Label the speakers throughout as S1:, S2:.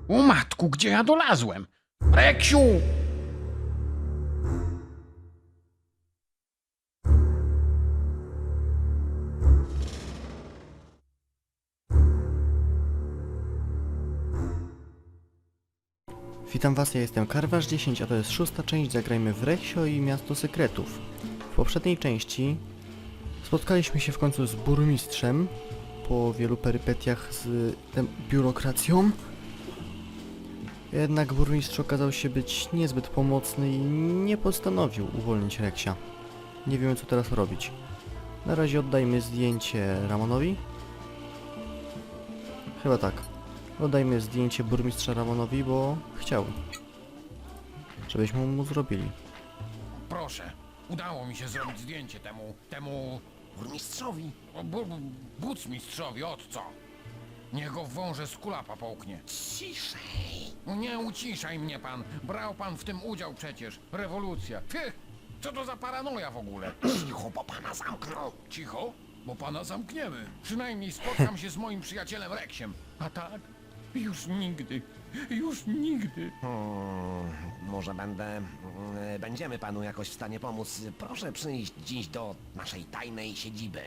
S1: O matku, gdzie ja dolazłem? Reksiu!
S2: Witam was, ja jestem Karwasz10, a to jest 6. część Zagrajmy w Reksio i Miasto Sekretów. W poprzedniej części spotkaliśmy się w końcu z burmistrzem po wielu perypetiach z biurokracją. Jednak burmistrz okazał się być niezbyt pomocny i nie postanowił uwolnić Reksia. Nie wiemy, co teraz robić. Na razie oddajmy zdjęcie Ramonowi. Chyba tak. Oddajmy zdjęcie burmistrza Ramonowi, bo chciał, żebyśmy mu zrobili.
S1: Proszę, udało mi się zrobić zdjęcie temu
S3: Burmistrzowi.
S1: bucmistrzowi, od co? Niech go w wąże z kulapa połknie.
S3: Ciszej.
S1: Nie uciszaj mnie pan, brał pan w tym udział przecież. Rewolucja. Ty, co to za paranoja w ogóle?
S3: Cicho, bo pana zamknął.
S1: Cicho, bo pana zamkniemy. Przynajmniej spotkam się z moim przyjacielem Reksiem. A tak? Już nigdy. Już nigdy.
S3: Może będziemy panu jakoś w stanie pomóc. Proszę przyjść dziś do naszej tajnej siedziby.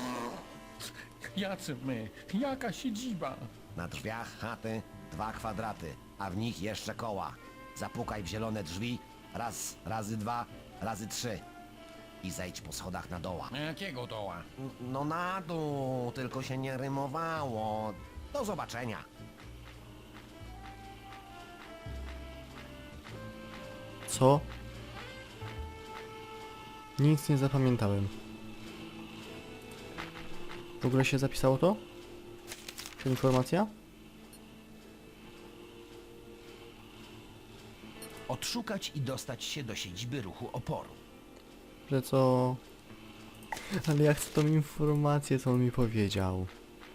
S1: Jacy my? Jaka siedziba?
S3: Na drzwiach chaty 2 kwadraty, a w nich jeszcze koła. Zapukaj w zielone drzwi. Raz, razy 2, razy 3. I zejdź po schodach na doła.
S1: Jakiego doła?
S3: No na dół, tylko się nie rymowało. Do zobaczenia.
S2: Co? Nic nie zapamiętałem. W ogóle się zapisało to? Czy informacja?
S4: Odszukać i dostać się do siedziby ruchu oporu.
S2: Że co? Ale ja chcę tą informację, co on mi powiedział.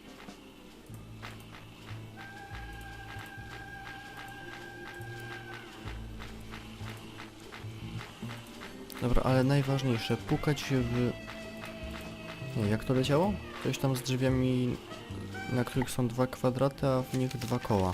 S2: Dobra, ale najważniejsze, pukać się w... Nie, jak to leciało? Coś tam z drzwiami, na których są 2 kwadraty, a w nich 2 koła.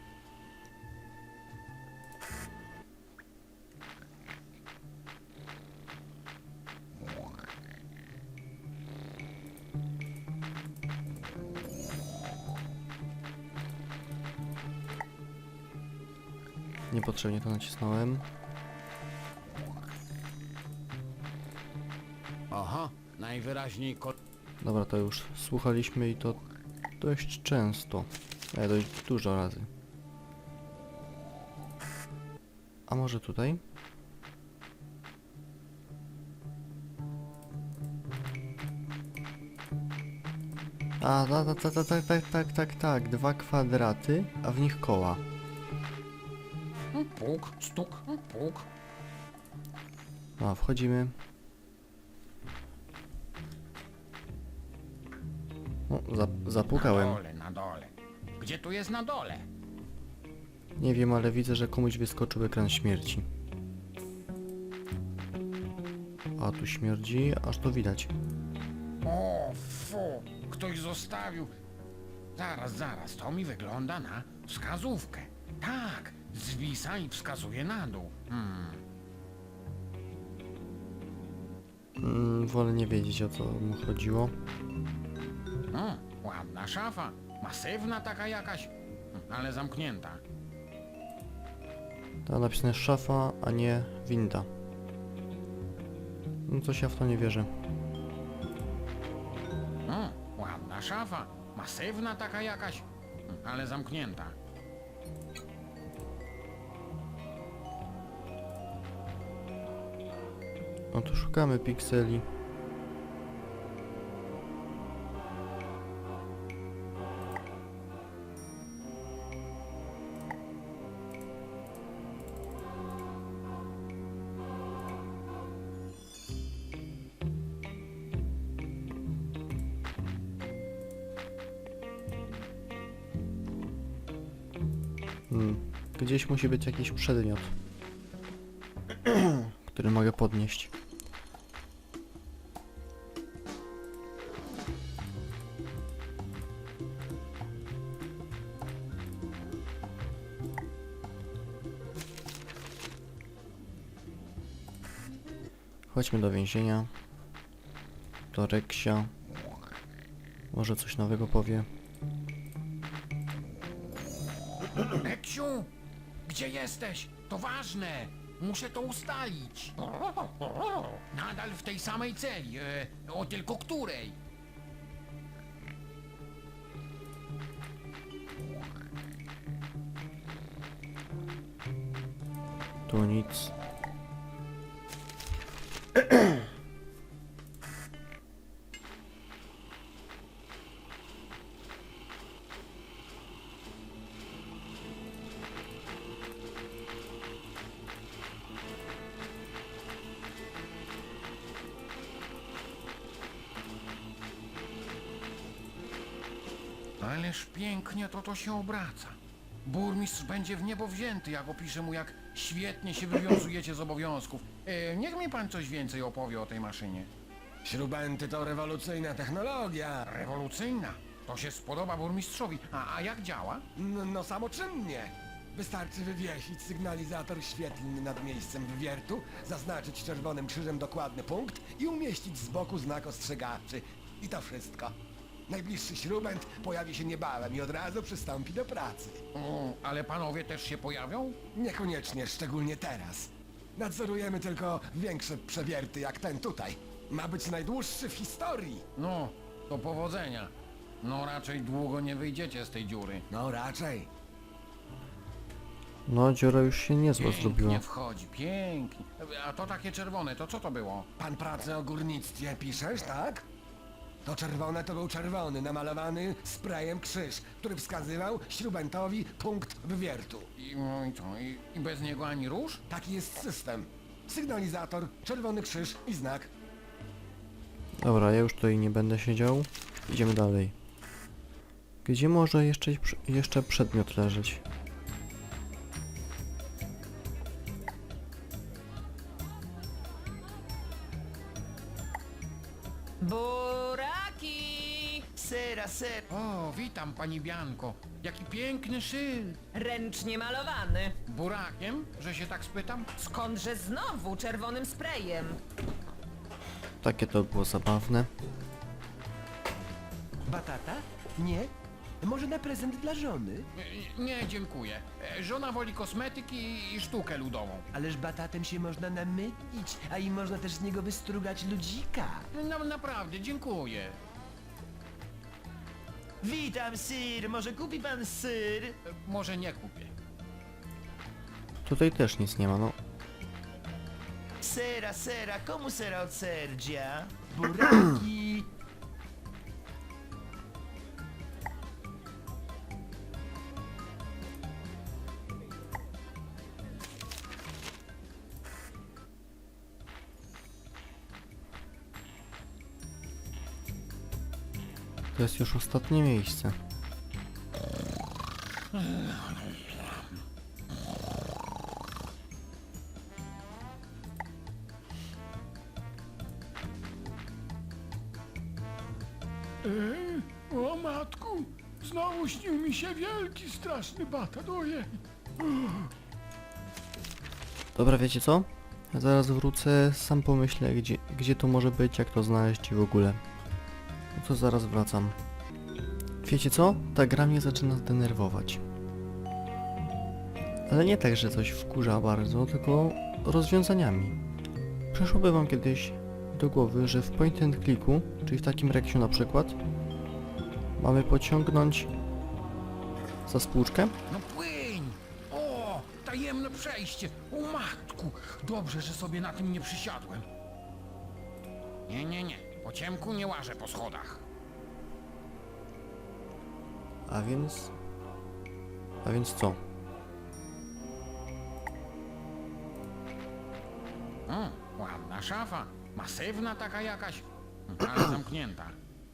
S2: Niepotrzebnie to nacisnąłem.
S1: Aha, najwyraźniej
S2: Dobra, to już słuchaliśmy i to dość często. Dość dużo razy. A może tutaj? A, tak. 2 kwadraty, a w nich koła.
S1: Puk, stuk, puk.
S2: A, wchodzimy. O, zapukałem.
S1: Na dole. Gdzie tu jest na dole?
S2: Nie wiem, ale widzę, że komuś wyskoczył ekran śmierci. A tu śmierdzi, aż to widać.
S1: O, fu, ktoś zostawił. Zaraz, to mi wygląda na wskazówkę. Tak, zwisa i wskazuje na dół.
S2: Wolę nie wiedzieć, o co mu chodziło.
S1: Ładna szafa, masywna taka jakaś, ale zamknięta.
S2: Ta napisane szafa, a nie winda. No coś ja w to nie wierzę.
S1: Ładna szafa, masywna taka jakaś, ale zamknięta.
S2: No to szukamy pikseli. Gdzieś musi być jakiś przedmiot, który mogę podnieść. Chodźmy do więzienia. Do Reksia. Może coś nowego powie.
S1: Reksiu, gdzie jesteś? To ważne. Muszę to ustalić. Nadal w tej samej celi. O tylko której?
S2: Tu nic.
S1: Ależ pięknie to się obraca. Burmistrz będzie w niebo wzięty, jak opiszę mu, jak świetnie się wywiązujecie z obowiązków. Niech mi pan coś więcej opowie o tej maszynie.
S5: Śrubenty to rewolucyjna technologia.
S1: Rewolucyjna. To się spodoba burmistrzowi. A jak działa?
S5: No samoczynnie. Wystarczy wywiesić sygnalizator świetlny nad miejscem wywiertu, zaznaczyć czerwonym krzyżem dokładny punkt i umieścić z boku znak ostrzegawczy. I to wszystko. Najbliższy śrubent pojawi się niebawem i od razu przystąpi do pracy.
S1: O, ale panowie też się pojawią?
S5: Niekoniecznie, szczególnie teraz. Nadzorujemy tylko większe przewierty jak ten tutaj. Ma być najdłuższy w historii.
S1: No, to powodzenia. No raczej długo nie wyjdziecie z tej dziury.
S5: No raczej.
S2: No, dziura już się niezła zrobiła.
S1: Nie wchodzi, pięknie. A to takie czerwone, to co to było?
S5: Pan pracę o górnictwie piszesz, tak? To czerwone to był czerwony, namalowany sprayem krzyż, który wskazywał śrubentowi punkt wywiertu.
S1: No i co? I bez niego ani róż?
S5: Taki jest system. Sygnalizator, czerwony krzyż i znak.
S2: Dobra, ja już tutaj nie będę siedział. Idziemy dalej. Gdzie może jeszcze przedmiot leżeć?
S6: Buraki!
S4: Sera, ser.
S1: O, witam pani Bianko. Jaki piękny szyld.
S6: Ręcznie malowany.
S1: Burakiem, że się tak spytam?
S6: Skądże znowu czerwonym sprayem?
S2: Takie to było zabawne.
S4: Batata? Nie? Może na prezent dla żony?
S1: Nie, dziękuję. Żona woli kosmetyki i sztukę ludową.
S4: Ależ batatem się można namylić, a i można też z niego wystrugać ludzika.
S1: No, naprawdę, dziękuję.
S4: Witam, sir. Może kupi pan syr?
S1: Może nie kupię.
S2: Tutaj też nic nie ma, no.
S4: Sera, sera. Komu sera od serdzia? Buraki.
S2: To jest już ostatnie miejsce.
S1: O matku, znowu śnił mi się wielki, straszny batat, ojej.
S2: Dobra, wiecie co? Ja zaraz wrócę, sam pomyślę, gdzie to może być, jak to znaleźć i w ogóle. No to zaraz wracam. Wiecie co? Ta gra mnie zaczyna denerwować. Ale nie tak, że coś wkurza bardzo, tylko rozwiązaniami. Przyszłoby wam kiedyś do głowy, że w point and clicku, czyli w takim reksiu na przykład, mamy pociągnąć za spłuczkę.
S1: No płyń! O, tajemne przejście! O matku! Dobrze, że sobie na tym nie przysiadłem. Nie. Po ciemku nie łażę po schodach.
S2: A więc... A więc co?
S1: O, ładna szafa. Masywna taka jakaś, ale zamknięta.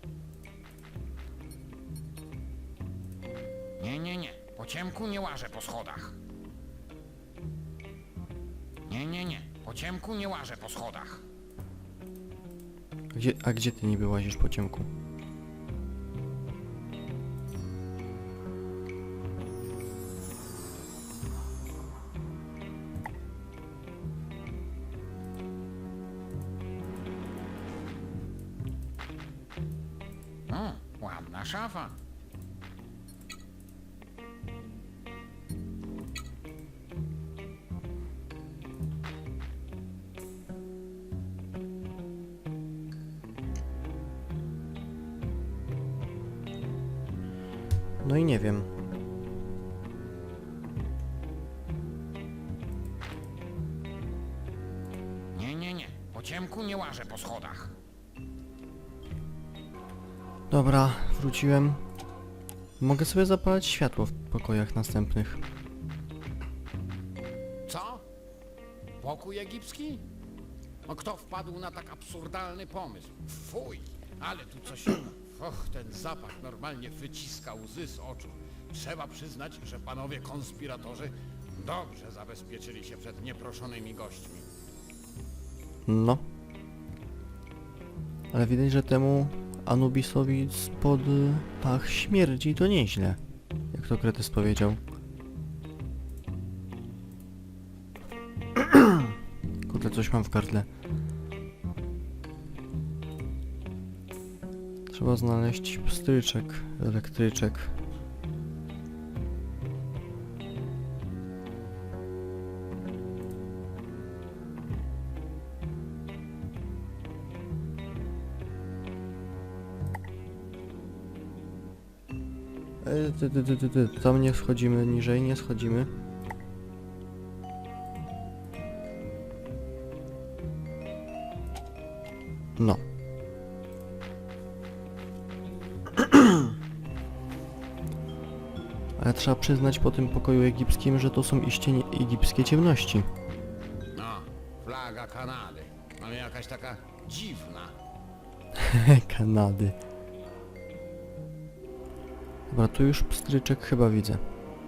S1: Nie. Po ciemku nie łażę po schodach. Nie. Po ciemku nie łażę po schodach.
S2: A gdzie ty niby łazisz po ciemku?
S1: A szafa?
S2: No i nie wiem.
S1: Nie. Po ciemku nie łażę po schodach.
S2: Dobra, wróciłem. Mogę sobie zapalać światło w pokojach następnych.
S7: Co? Pokój egipski? No kto wpadł na tak absurdalny pomysł? Fuj, ale tu coś... Och, ten zapach normalnie wyciska łzy z oczu. Trzeba przyznać, że panowie konspiratorzy dobrze zabezpieczyli się przed nieproszonymi gośćmi.
S2: No. Ale widać, że temu Anubisowi spod pach śmierdzi to nieźle. Jak to Kretys powiedział. Kurde, coś mam w gardle. Trzeba znaleźć pstryczek, elektryczek. Tam nie schodzimy, niżej nie schodzimy. No. Ale trzeba przyznać po tym pokoju egipskim, że to są iście egipskie ciemności.
S7: No, flaga Kanady, ale jakaś taka dziwna.
S2: Kanady. Dobra, tu już pstryczek chyba widzę.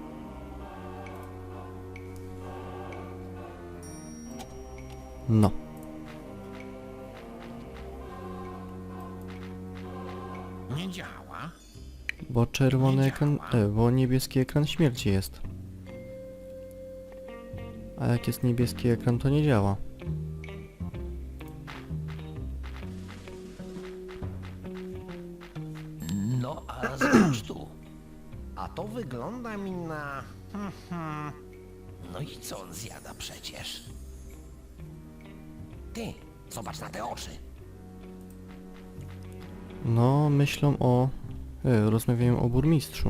S2: No.
S1: Nie działa?
S2: Bo czerwony
S1: Nie
S2: ekran...
S1: działa.
S2: bo niebieski ekran śmierci jest. A jak jest niebieski ekran, to nie działa.
S4: No, a zobacz tu.
S3: A to wygląda mi na...
S4: No i co on zjada przecież?
S3: Ty, zobacz na te oczy.
S2: No, myślą o... rozmawiają o burmistrzu.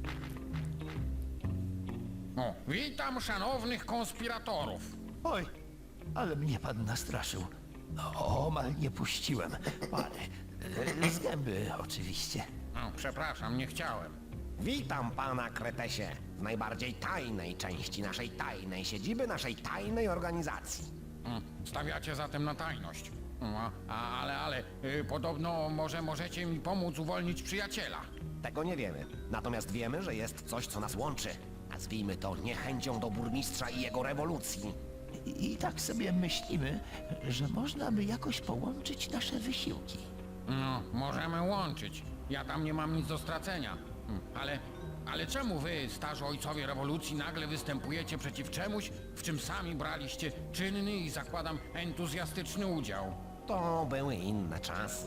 S1: O, witam szanownych konspiratorów.
S4: Oj, ale mnie pan nastraszył. Omal nie puściłem. Panie, z gęby oczywiście.
S1: No, przepraszam, nie chciałem.
S3: Witam pana Kretesie w najbardziej tajnej części naszej tajnej siedziby, naszej tajnej organizacji.
S1: Stawiacie zatem na tajność. Ale podobno możecie mi pomóc uwolnić przyjaciela.
S3: Tego nie wiemy. Natomiast wiemy, że jest coś, co nas łączy. Nazwijmy to niechęcią do burmistrza i jego rewolucji.
S4: I tak sobie myślimy, że można by jakoś połączyć nasze wysiłki.
S1: No, możemy łączyć. Ja tam nie mam nic do stracenia. Ale czemu wy, starzy ojcowie rewolucji, nagle występujecie przeciw czemuś, w czym sami braliście czynny i zakładam entuzjastyczny udział?
S3: To były inne czasy.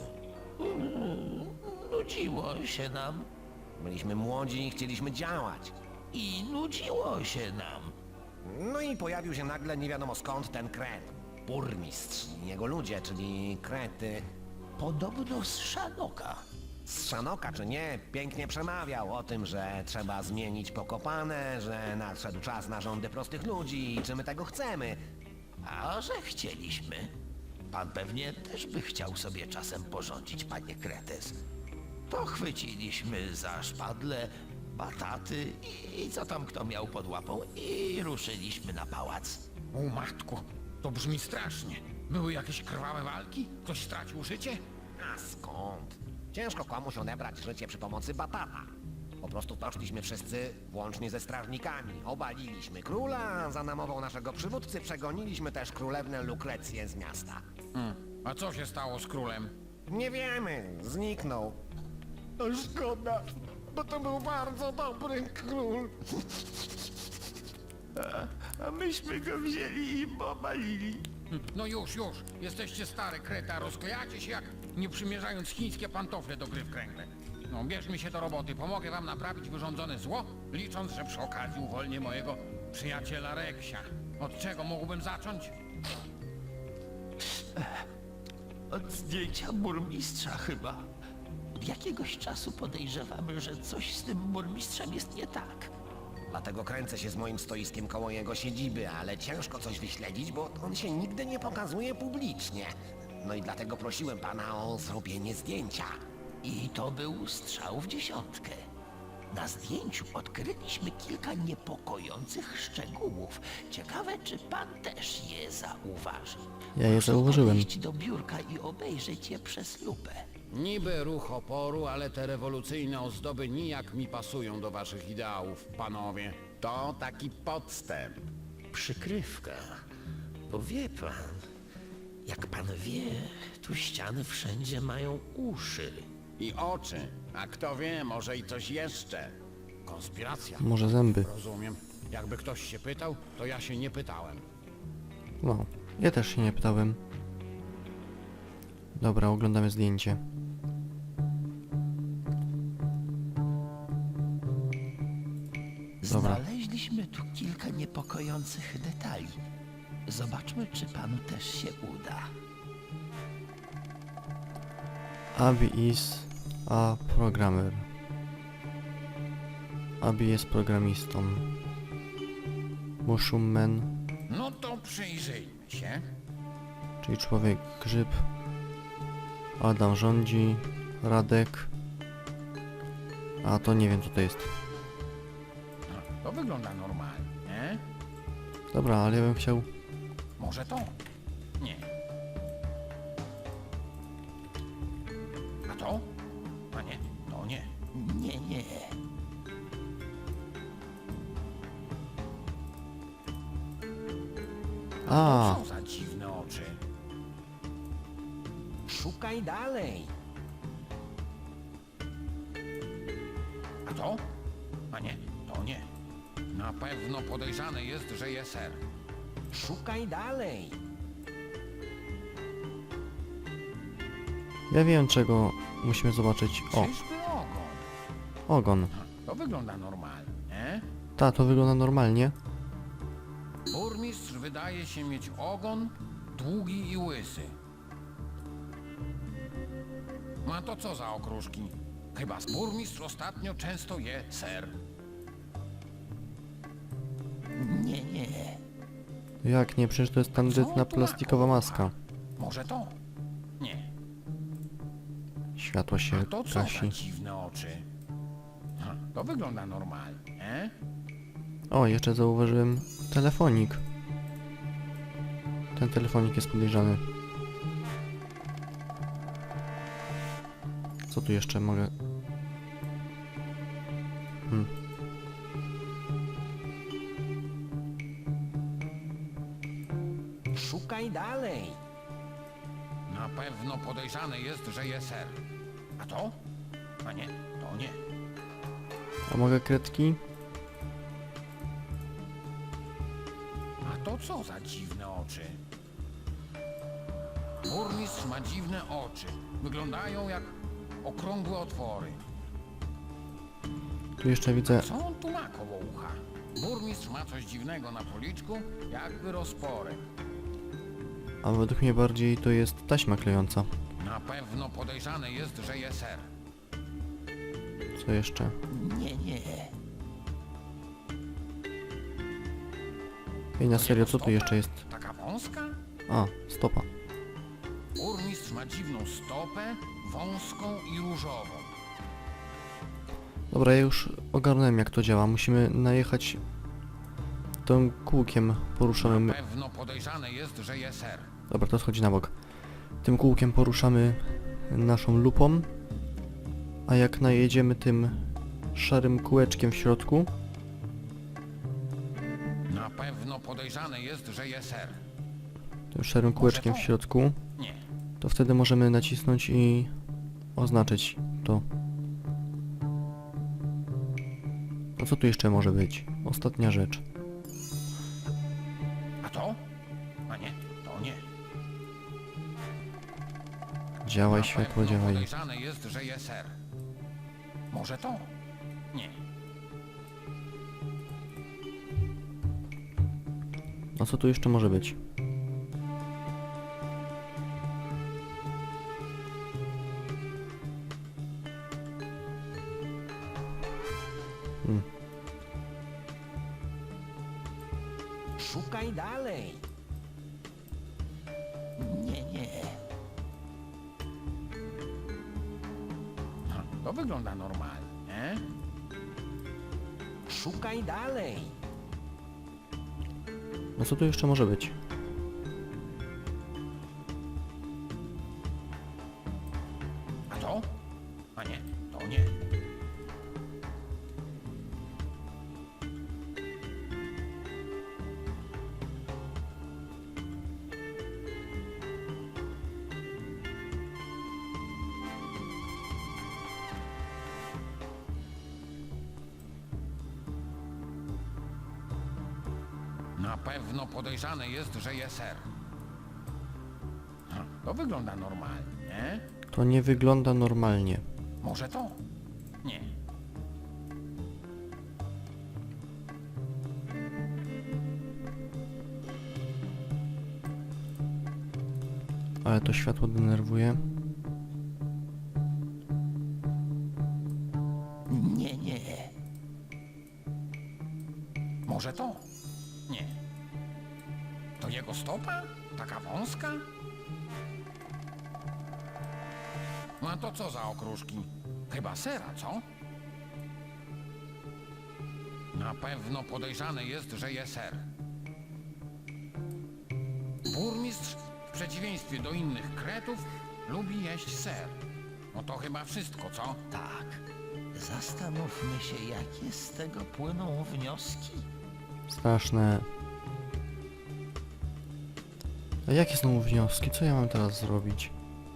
S4: Nudziło się nam.
S3: Byliśmy młodzi i chcieliśmy działać.
S4: I nudziło się nam.
S3: No i pojawił się nagle nie wiadomo skąd ten kret. Burmistrz i jego ludzie, czyli krety.
S4: Podobno z Szanoka.
S3: Z Szanoka czy nie, pięknie przemawiał o tym, że trzeba zmienić Pokopane, że nadszedł czas na rządy prostych ludzi i czy my tego chcemy.
S4: A że chcieliśmy. Pan pewnie też by chciał sobie czasem porządzić, panie Kretes. To chwyciliśmy za szpadle, bataty i co tam kto miał pod łapą i ruszyliśmy na pałac.
S1: O matku, to brzmi strasznie. Były jakieś krwawe walki? Ktoś stracił życie?
S3: A skąd? Ciężko komuś odebrać życie przy pomocy batata. Po prostu poszliśmy wszyscy, włącznie ze strażnikami. Obaliliśmy króla, a za namową naszego przywódcy przegoniliśmy też królewnę Lukrecję z miasta.
S1: A co się stało z królem?
S3: Nie wiemy, zniknął.
S1: To szkoda, bo to był bardzo dobry król.
S4: A myśmy go wzięli i obalili.
S1: No już. Jesteście stare krety, a rozklejacie się jak nie przymierzając chińskie pantofle do gry w kręgle. no bierzmy się do roboty. Pomogę wam naprawić wyrządzone zło, licząc, że przy okazji uwolnię mojego przyjaciela Reksia. Od czego mógłbym zacząć?
S4: Od zdjęcia burmistrza chyba. Od jakiegoś czasu podejrzewamy, że coś z tym burmistrzem jest nie tak.
S3: Dlatego kręcę się z moim stoiskiem koło jego siedziby, ale ciężko coś wyśledzić, bo on się nigdy nie pokazuje publicznie. No i dlatego prosiłem pana o zrobienie zdjęcia.
S4: I to był strzał w dziesiątkę. Na zdjęciu odkryliśmy kilka niepokojących szczegółów. Ciekawe, czy pan też je zauważy.
S2: Ja je
S4: Proszę
S2: zauważyłem.
S4: podejść do biurka i obejrzeć je przez lupę.
S7: Niby ruch oporu, ale te rewolucyjne ozdoby nijak mi pasują do waszych ideałów, panowie. To taki podstęp.
S8: Przykrywka. Bo wie pan, jak pan wie, tu ściany wszędzie mają uszy.
S7: I oczy. A kto wie, może i coś jeszcze. Konspiracja.
S2: Może zęby.
S7: Rozumiem. Jakby ktoś się pytał, to ja się nie pytałem.
S2: No, ja też się nie pytałem. Dobra, oglądamy zdjęcie. Dobra.
S4: Znaleźliśmy tu kilka niepokojących detali. Zobaczmy, czy panu też się uda.
S2: Abby is a programmer. Abby jest programistą. Mushroom Man,
S1: No to przyjrzyjmy się.
S2: czyli człowiek grzyb. Adam rządzi. Radek. A to nie wiem co to jest.
S1: No, to wygląda normalnie, nie?
S2: Dobra, ale ja bym chciał...
S1: Może to? Nie. A to? A nie, to nie.
S4: Nie, nie.
S2: A,
S1: Co za dziwne oczy.
S3: Szukaj dalej.
S1: A to? A nie, to nie. Na pewno podejrzane jest, że jest ser.
S3: Szukaj dalej.
S2: ja wiem czego musimy zobaczyć. O,
S1: Czyżby ogon?
S2: ogon.
S1: To wygląda normalnie, nie?
S2: Ta, to wygląda normalnie.
S1: Burmistrz wydaje się mieć ogon długi i łysy. A to co za okruszki? Chyba burmistrz ostatnio często je ser.
S4: Nie, nie.
S2: Jak nie, przecież to jest tandetna plastikowa maska.
S1: Może to? Nie.
S2: Światło się
S1: A to co za
S2: gasi.
S1: dziwne oczy? To wygląda normalnie, nie?
S2: O, jeszcze zauważyłem telefonik. Ten telefonik jest podejrzany. Co tu jeszcze mogę...
S3: Szukaj dalej.
S1: Na pewno podejrzane jest, że je ser. A to? A nie, to nie.
S2: A mogę kredki?
S1: A to co za dziwne oczy? Burmistrz ma dziwne oczy. Wyglądają jak okrągłe otwory.
S2: Tu jeszcze widzę...
S1: Co on tu ma koło ucha? Burmistrz ma coś dziwnego na policzku, jakby rozporek.
S2: A według mnie bardziej to jest taśma klejąca.
S1: Na pewno podejrzane jest, że je ser.
S2: Co jeszcze?
S4: Nie, nie.
S2: Ej, na serio, co tu
S1: Stopa?
S2: jeszcze jest?
S1: Taka wąska?
S2: A, stopa.
S1: Burmistrz ma dziwną stopę, wąską i różową.
S2: Dobra, ja już ogarnąłem jak to działa. Musimy najechać tym kółkiem poruszanym...
S1: Na pewno podejrzane jest, że je ser.
S2: Dobra, to schodzi na bok. Tym kółkiem poruszamy naszą lupą, a jak najedziemy tym szarym kółeczkiem w środku,
S1: Na pewno podejrzane jest, że je ser.
S2: tym szarym kółeczkiem w środku,
S1: Nie.
S2: to wtedy możemy nacisnąć i oznaczyć to. A co tu jeszcze może być? Ostatnia rzecz.
S1: A to? A nie, to nie.
S2: Działaj
S1: Na
S2: światło,
S1: pewno
S2: działaj.
S1: podejrzane jest, że je ser. Może to? Nie.
S2: A co tu jeszcze może być?
S3: Szukaj dalej.
S4: Nie.
S1: To wygląda normalnie.
S3: Szukaj dalej.
S2: No co tu jeszcze może być?
S1: A to? A nie, to nie. Na pewno podejrzane jest, że jest ser. To wygląda normalnie.
S2: To nie wygląda normalnie.
S1: Może to? Nie.
S2: Ale to światło denerwuje.
S4: Nie.
S1: Może to? Nie. To jego stopa? Taka wąska? No a to co za okruszki? Chyba sera, co? Na pewno podejrzane jest, że je ser. Burmistrz, w przeciwieństwie do innych kretów, lubi jeść ser. No to chyba wszystko, co?
S4: Tak. Zastanówmy się, jakie z tego płyną wnioski.
S2: Straszne. A jakie znowu wnioski? Co ja mam teraz zrobić?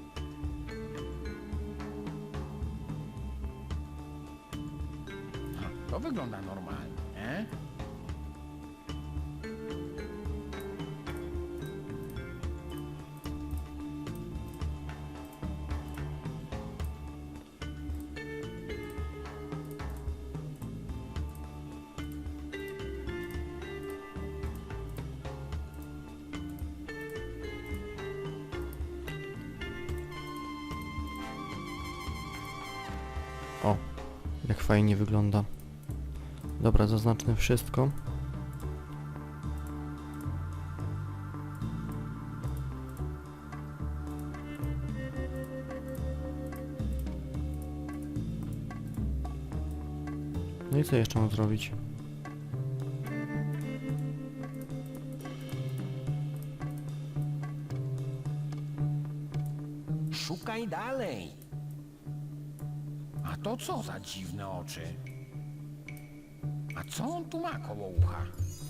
S1: To wygląda normalnie.
S2: O, jak fajnie wygląda. Dobra, zaznaczmy wszystko. No i co jeszcze mam zrobić?
S3: Szukaj dalej.
S1: A to co za dziwne oczy? A co on tu ma koło ucha?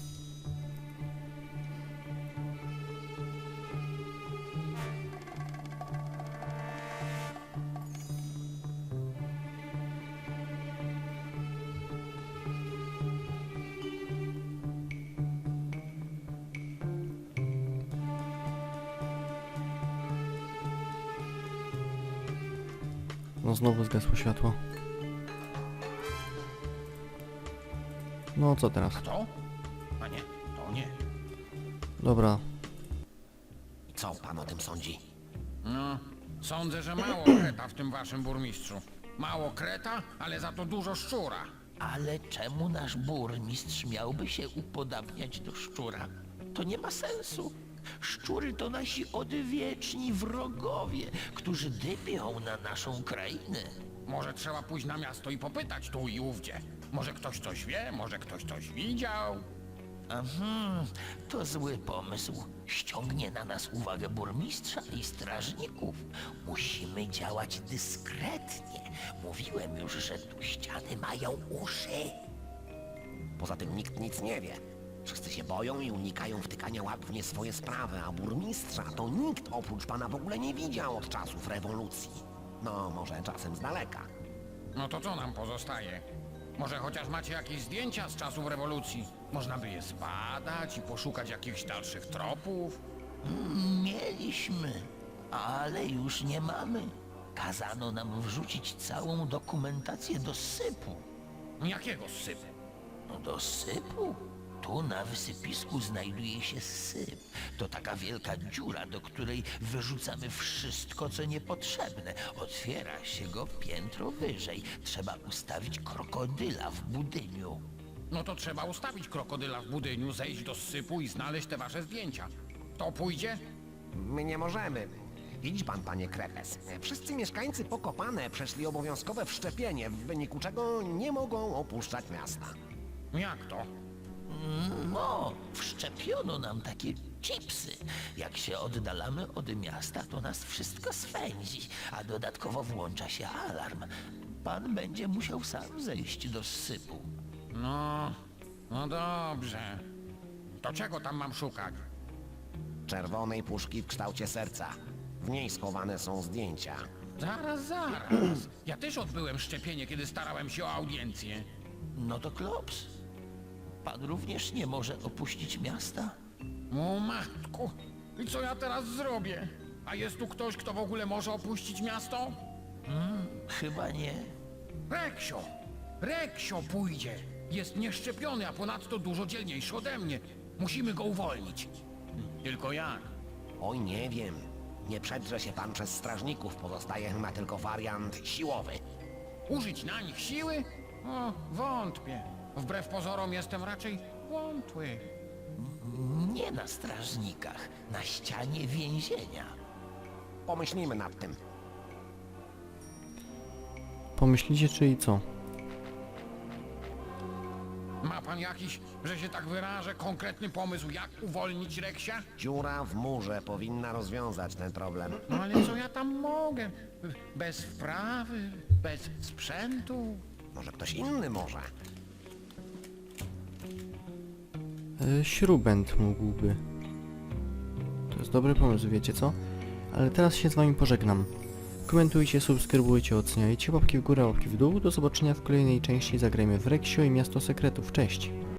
S2: No znowu zgasło światło. No co teraz?
S1: A to? A nie, to nie.
S2: Dobra,
S3: Co pan o tym sądzi?
S1: No, sądzę, że mało kreta w tym waszym burmistrzu. Mało kreta, ale za to dużo szczura.
S4: Ale czemu nasz burmistrz miałby się upodabniać do szczura? To nie ma sensu. Szczury to nasi odwieczni wrogowie, którzy dymią na naszą krainę.
S1: Może trzeba pójść na miasto i popytać tu i ówdzie. Może ktoś coś wie, może ktoś coś widział.
S4: Aha, to zły pomysł. Ściągnie na nas uwagę burmistrza i strażników. Musimy działać dyskretnie. Mówiłem już, że tu ściany mają uszy.
S3: Poza tym nikt nic nie wie. Wszyscy się boją i unikają wtykania łap w nie swoje sprawy, a burmistrza to nikt oprócz pana w ogóle nie widział od czasów rewolucji. No, może czasem z daleka.
S1: No to co nam pozostaje? Może chociaż macie jakieś zdjęcia z czasów rewolucji? Można by je zbadać i poszukać jakichś dalszych tropów?
S4: Mieliśmy, ale już nie mamy. kazano nam wrzucić całą dokumentację do sypu.
S7: Jakiego sypu?
S4: No do sypu? Tu na wysypisku znajduje się syp. To taka wielka dziura, do której wyrzucamy wszystko, co niepotrzebne. Otwiera się go piętro wyżej. Trzeba ustawić krokodyla w budyniu.
S7: No to trzeba ustawić krokodyla w budyniu, zejść do sypu i znaleźć te wasze zdjęcia. To pójdzie?
S3: My nie możemy. Widzi pan, panie Kretes, wszyscy mieszkańcy Pokopane przeszli obowiązkowe wszczepienie, w wyniku czego nie mogą opuszczać miasta.
S7: Jak to?
S4: No, wszczepiono nam takie chipsy. Jak się oddalamy od miasta, to nas wszystko swędzi, a dodatkowo włącza się alarm. Pan będzie musiał sam zejść do sypu.
S7: No dobrze. To czego tam mam szukać?
S3: Czerwonej puszki w kształcie serca. W niej schowane są zdjęcia.
S7: Zaraz. Ja też odbyłem szczepienie, kiedy starałem się o audiencję.
S4: No to klops. Pan również nie może opuścić miasta?
S7: O matku, i co ja teraz zrobię? A jest tu ktoś, kto w ogóle może opuścić miasto?
S4: Chyba nie.
S7: Reksio pójdzie. Jest nieszczepiony, a ponadto dużo dzielniejszy ode mnie. Musimy go uwolnić. Tylko jak?
S3: Oj, nie wiem. Nie przedrze się pan przez strażników, pozostaje chyba tylko wariant siłowy.
S7: Użyć na nich siły? O, wątpię. Wbrew pozorom jestem raczej wątły.
S4: Nie na strażnikach, na ścianie więzienia.
S3: Pomyślimy nad tym.
S2: Pomyślicie, czyli co?
S7: Ma pan jakiś, że się tak wyrażę, konkretny pomysł, jak uwolnić Reksia?
S3: Dziura w murze powinna rozwiązać ten problem.
S7: No ale co ja tam mogę? Bez wprawy, bez sprzętu.
S3: Może ktoś inny może.
S2: Śrubent mógłby. To jest dobry pomysł, wiecie co? Ale teraz się z wami pożegnam. Komentujcie, subskrybujcie, oceniajcie, łapki w górę, łapki w dół. Do zobaczenia w kolejnej części Zagrajmy w Reksio i Miasto Sekretów. Cześć!